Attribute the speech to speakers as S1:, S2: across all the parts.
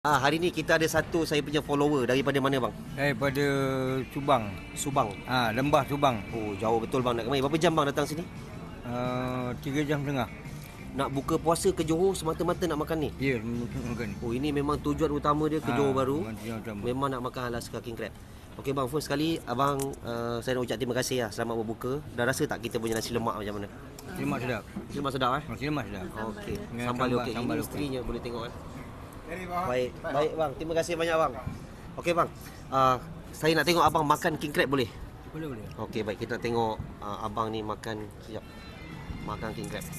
S1: Hari ni kita ada satu saya punya follower daripada mana bang?
S2: Daripada Subang.
S1: Subang.
S2: Lembah Subang.
S1: Oh, jauh betul bang nak kemari. Berapa jam bang datang sini?
S2: 3 jam setengah.
S1: Nak buka puasa ke Johor semata-mata nak makan ni?
S2: Ya, makan.
S1: Oh, ini memang tujuan utama dia ke Johor Bahru.
S2: Memang.
S1: Memang nak makan Alaska King Crab. Okey bang, first sekali abang saya nak ucap terima kasih selamat berbuka. Dah rasa tak kita punya nasi lemak macam mana?
S2: Lemak sedap.
S1: Nasi lemak sedap
S2: Nasi lemak sedap.
S1: Okey.
S2: Dengan
S1: Sambal
S2: sambal-
S1: okey.
S2: sambal
S1: Ini
S2: okey.
S1: isterinya boleh tengok kan. Baik bang. Terima kasih banyak bang. Okey bang. Saya nak tengok abang makan king crab boleh?
S2: Boleh.
S1: Okey baik, kita nak tengok abang ni makan sekejap. Makan king crab.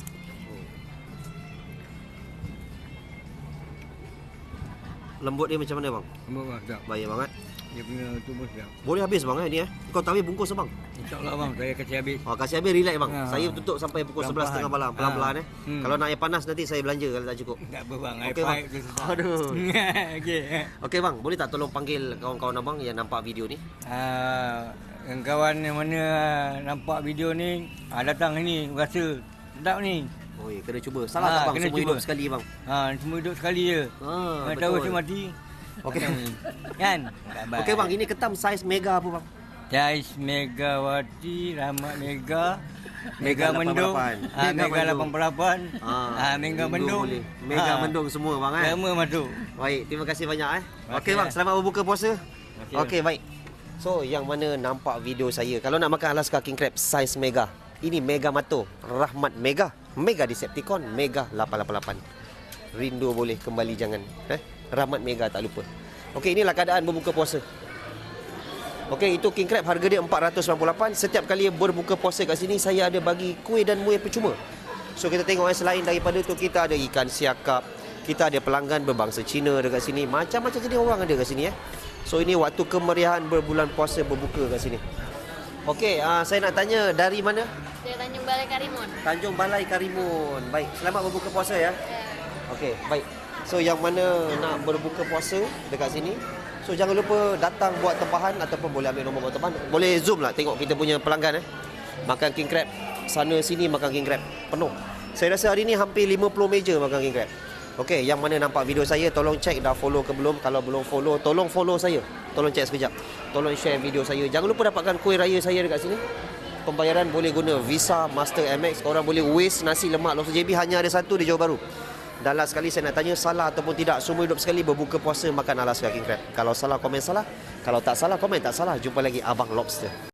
S1: Lembut dia macam mana bang?
S2: Lembut bang, sedap.
S1: Baik bang
S2: Dia punya tu pun sedap.
S1: Boleh habis bang ni Kau tak habis bungkus bang.
S2: InsyaAllah bang, saya kasih habis.
S1: Kasih habis, relax bang.
S2: Ha.
S1: Saya tutup sampai pukul 11.30 malam. Pelan-pelan Kalau nak air panas nanti saya belanja kalau tak cukup.
S2: Tak apa bang, air
S1: Okey, bang.
S2: paip tu sedap.
S1: Aduh.
S2: Okey.
S1: Okey bang, boleh tak tolong panggil kawan-kawan abang yang nampak video ni?
S2: Yang kawan yang mana nampak video ni datang sini rasa sedap ni.
S1: Oi, kena cuba. Salah tak bang?
S2: kena
S1: Semua
S2: cuba.
S1: hidup sekali bang.
S2: Semua hidup sekali je. Tahu
S1: betul.
S2: si mati.
S1: Okey.
S2: Kan?
S1: Okey bang, ini ketam saiz mega apa bang?
S2: Jais Megawati, Rahmat Mega,
S1: Mega
S2: Mega Mendung,
S1: 88.
S2: Mega 88, Mega Mendung,
S1: boleh. Mega Mendung semua bang
S2: Semua masuk.
S1: Baik, terima kasih banyak
S2: Okey,
S1: Okey bang, selamat berbuka puasa.
S2: Okey.
S1: Okey, baik. So, yang mana nampak video saya, kalau nak makan Alaska King Crab saiz mega, ini Mega Mato, Rahmat Mega, Mega Decepticon, Mega 888. Rindu boleh kembali jangan. Rahmat Mega tak lupa. Okey, inilah keadaan berbuka puasa. Okey, itu King Crab harga dia 498. Setiap kali berbuka puasa kat sini saya ada bagi kuih dan muih percuma. So kita tengok selain daripada tu kita ada ikan siakap, kita ada pelanggan berbangsa Cina dekat sini. Macam-macam jenis orang ada kat sini So ini waktu kemeriahan berbulan puasa berbuka kat sini. Okey, saya nak tanya dari mana?
S3: Dari Tanjung Balai Karimun.
S1: Tanjung Balai Karimun. Baik, selamat berbuka puasa ya.
S3: Ya.
S1: Okey, baik. So yang mana nak berbuka puasa dekat sini, so jangan lupa datang buat tempahan ataupun boleh ambil nombor buat tempahan. Boleh zoom lah tengok kita punya pelanggan makan king crab. Sana sini makan king crab penuh. Saya rasa hari ni hampir 50 meja makan king crab. Okey, yang mana nampak video saya tolong check dah follow ke belum. Kalau belum follow, tolong follow saya. Tolong check sekejap. Tolong share video saya. Jangan lupa dapatkan kuih raya saya dekat sini. Pembayaran boleh guna Visa, Master, Amex. Korang boleh waste nasi lemak lobster JB hanya ada satu di Johor Bahru. Dan last sekali saya nak tanya, salah ataupun tidak, semua hidup sekali berbuka puasa makan Alaska King Crab. Kalau salah, komen salah. Kalau tak salah, komen tak salah. Jumpa lagi Abang Lobster.